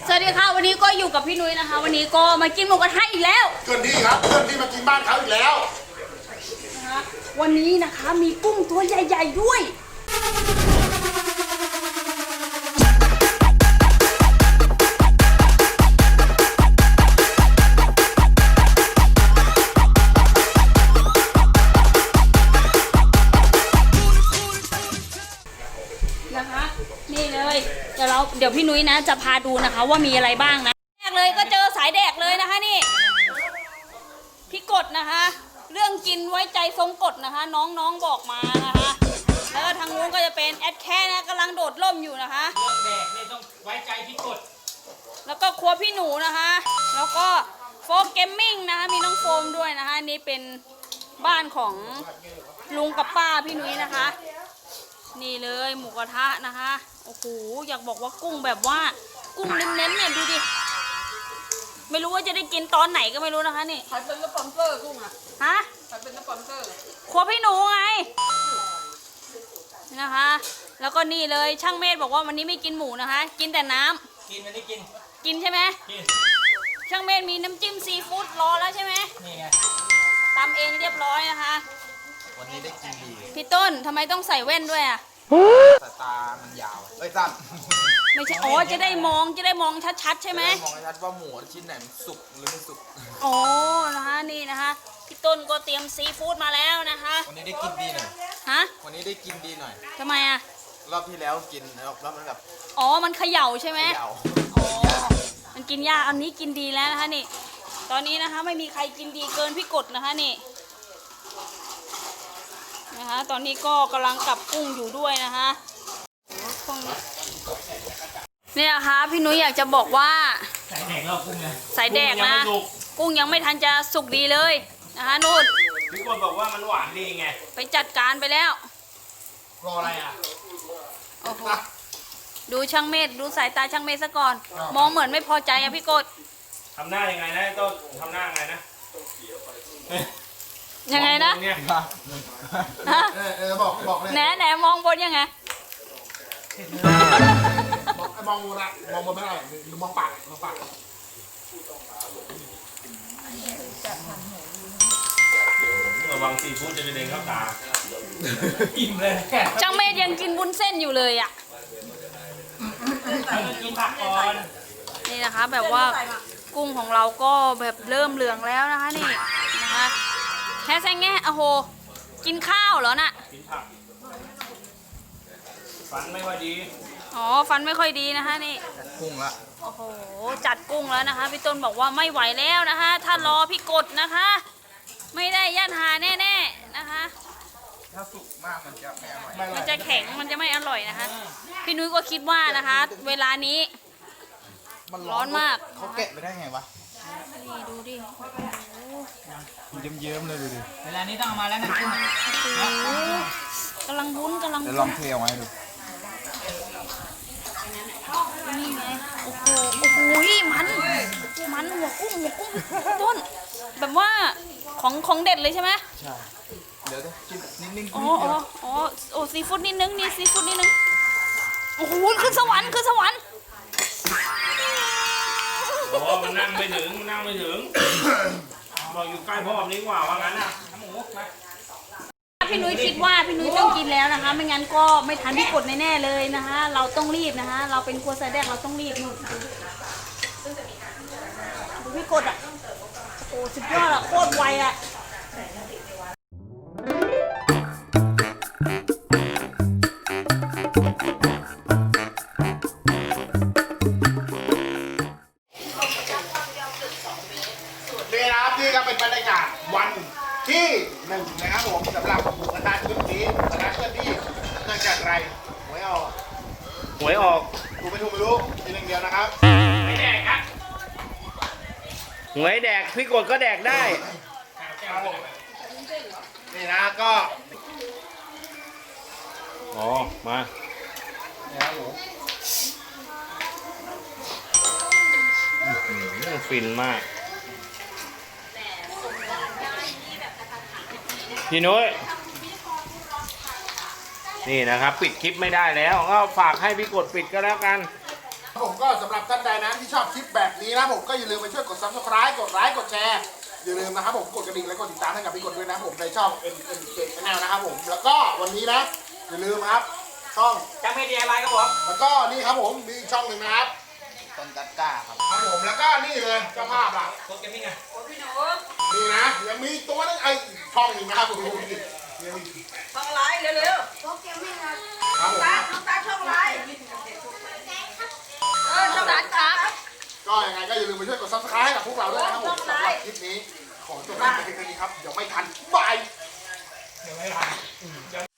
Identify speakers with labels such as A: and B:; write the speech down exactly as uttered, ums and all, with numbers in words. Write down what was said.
A: สวัสดีค่ะวันนี้ก็อยู่กับพี่นุ้ยนะคะ วันนี้ก็มากินหมูกระทะอีกแล้ว
B: เพื่อนที่ครับเพื่อนที่มากินบ้านเขาอีกแล้ว
A: นะคะวันนี้นะคะมีกุ้งตัวใหญ่ๆด้วยนะคะนี่เลยเดี๋ยวเราเดี๋ยวพี่นุ้ยนะจะพาดูนะคะว่ามีอะไรบ้างนะแรกเลยก็เจอสายแดกเลยนะคะนี่พี่กดนะคะเรื่องกินไว้ใจทรงกฎนะคะน้องๆบอกมานะคะแล้วก็ทางนู้นก็จะเป็นแอดแค่นะกำลังโดดร่มอยู่นะคะ
C: เรื่องแดกเนี่ยต้องไว้ใจพี่กด
A: แล้วก็ครัวพี่หนูนะคะแล้วก็โฟมเกมมิ่งนะคะมีน้องโฟมด้วยนะคะนี่เป็นบ้านของลุงกับป้าพี่นุ้ยนะคะนี่เลยหมูกระทะนะคะโอ้โหอยากบอกว่ากุ้งแบบว่ากุ้งเน้นๆเนี่ยดูดิไม่รู้ว่าจะได้กินตอนไหนก็ไม่รู้นะคะนี่
D: ใครเป็นสปอนเซอร์กุ้งอ่ะ
A: ฮะ
D: ใครเป็นสปอนเซอร์
A: ครัวพี่หนูไงนะคะแล้วก็นี่เลยช่างเมธบอกว่าวันนี้ไม่กินหมูนะคะกินแต่น้ำ
C: กินวันนี้กิน
A: กินใช่ไหม
C: กิน
A: ช่างเมธมีน้ำจิ้มซีฟู้ดรอแล้วใช่ไหม
C: นี่ไง
A: ตำเองเรียบร้อยนะคะ
E: วันนี้ได้กินดี
A: พี่ต้นทำไมต้องใส่แว่นด้วยอ่ะ
E: สายตามันยาวเอ้ยสั้น
A: ไม่ใช่อ๋อจะได้มองจะได้มองชัดๆใช่ไหม
E: มองชัดว่าหมูชิ้นไหนมันสุกหรือไม่สุก
A: โอ้นะคะนี่นะคะพี่ต้นก็เตรียมซีฟู้ดมาแล้วนะคะ
E: วันนี้ได้กินดีหน่อย
A: ฮะ
E: วันนี้ได้กินดีหน่อย
A: ทำไมอ่ะ
E: รอบที่แล้วกินแล้วมันแบบ
A: อ๋อมันเขย่าใช่ไหม
E: เขย่า
A: อ๋อมันกินยากอันนี้กินดีแล้วนะคะนี่ตอนนี้นะคะไม่มีใครกินดีเกินพี่กดนะคะนี่นะคะตอนนี้ก็กำลังกับกุ้งอยู่ด้วยนะคะเนี่ยนะคะพี่นุ้ยอยากจะบอกว่า
C: สายแดกเรากุ้งไง
A: สายแดกนะกุ้งยังไม่ทันจะสุกดีเลยนะคะนู่น
C: พี่กดบอกว่ามันหวานดีไง
A: ไปจัดการไปแล้ว
C: รออะไรอ่ะ
A: โอ้โหดูช่างเมธดูสายตาช่างเมธซะก่อนมองเหมือนไม่พอใจอะพี่กด
C: ทำหน้ายังไงนะต้นทำหน้ายังไงนะ
A: ยังไงนะ
B: เออเออบอกบอกเลย
A: แหนแหนมองบนยังไง
B: มองนะมองบนไม่ได้หรือมองปากมองปาก
C: ระวังซีฟู้ดจะกระเด็นเข้าตาอิ่มเลย
A: ช่างเมธยังกินวุ้นเส้นอยู่เลยอ่ะ
C: กินผักก่อน
A: นี่นะคะแบบว่ากุ้งของเราก็แบบเริ่มเหลืองแล้วนะคะนี่นะคะแค่แซงแง่โอ้โหกินข้าวเหรอน่ะ
C: กินผักฟันไม่ค่อยดี
A: อ๋อฟันไม่ค่อยดีนะคะนี่
E: กุ้งละ
A: โอ้โหจัดกุ้งแล้วนะคะพี่ต้นบอกว่าไม่ไหวแล้วนะคะถ้ารอพี่กดนะคะไม่ได้ย่านหาแน่ๆนะคะ
E: ถ้าสุกมากมันจะไม่อร่อย
A: มันจะแข็งมันจะไม่อร่อยนะคะพี่นุ้ยก็คิดว่านะคะเวลานี้มันร้อนมาก
E: เขาแกะไปได้ไงวะ
A: นี่ดูดิ
E: เยิ้มๆเลยดูดิ
C: เวลานี้ต้องเอามาแล้วนะกุ้ง
A: กำลังวุ้นกำลัง
E: เดี๋ยวลองเทเอาไว้ดู
A: นี่ไงโอ้โหโอ้โหมันมันหัวกุ้งหัวกุ้งต้นแบบว่าของของเด็ดเลยใช่ไหม
E: ใช่เดี๋ยวกินนิ่งๆ
A: อ๋ออ๋ออ๋อโอ้ซีฟู้ดนิดนึงนี่ซีฟู้ดนิดนึงโอ้โหขึ้นสวรรค์ขึ้นสวรรค์
C: โอ้มันนั่งไม่ถึงนั่งไม่ถึงบอกอยู่ใกล้พ่อแบบนี้กว่าว่างั้นนะหมูมา
A: พี่นุ้ยคิดว่าพี่นุ้ยต้องกินแล้วนะคะไม่งั้นก็ไม่ทันพี่กดแน่ๆเลยนะคะเราต้องรีบนะคะเราเป็นครัวสายแดกเราต้องรีบนู่นดูพี่กดอ่ะโอ้สุดยอดอ่ะโคตรไวอ่ะ
B: นี่นะครับนี่ก็เป็นบรรยากาศวันที่หนึ่งนะครับผมสำหรับหมูกระทะชุดนี้หมูกระทะชุดที่เนื่องจากอะไรหวยออก
C: หวยออก
B: ถูกไม่ถูกไม่รู้ทีหนึ่งเดียวนะครับ
C: หวยแดกครับหวยแดกพี่กดก็แดกได้
B: นี่นะก็
C: อ๋อมาฟินมากพี่นุ้ยนี่นะครับปิดคลิปไม่ได้แล้วก็ฝากให้พี่กดปิดก็แล้วกัน
B: ผมก็สำหรับท่านใดนะที่ชอบนี้นะผมก็อย่าลืมไปช่วยกด ซับสไครบ์ กดไลค์กดแชร์อย่าลืมนะครับผมกดกระดิ่งและกดติดตามให้กับพี่กดด้วยนะผมในช่อง เอ็น เอ็น เจ Channel นะครับผมแล้วก็วันนี้นะอย่าลืมครับช่อง
C: จังไม่ดีอะไรครับผม
B: แล้วก็นี่ครับผมมีอีกช่องหนึ่งนะครับ
E: ต้นกัดก้าครับ
B: ครับผมแล้วก็นี่เลยเจ้าภาพล่ะ
C: โคตรเกมมิ่งไง
D: พี่หนู
B: นี่นะยังมีตัวนึงไอ้ช่องหนึ่งนะครับผมยังมี
D: ช่องไลน์เร็ว
B: ครับผม
D: ๆตาน้องตาช่องไลน์เออช่องไลน์ครับ
B: ก็ยังไงก็อย่าลืมไปช่วยกด ซับสไครบ์ ให้กับพวกเราด้วยนะครับผมสำหรับคลิปนี้ขอจบไปแค่นี้ครับเดี๋ยวไม่ทันบาย
C: เดี๋ยวไม่ทัน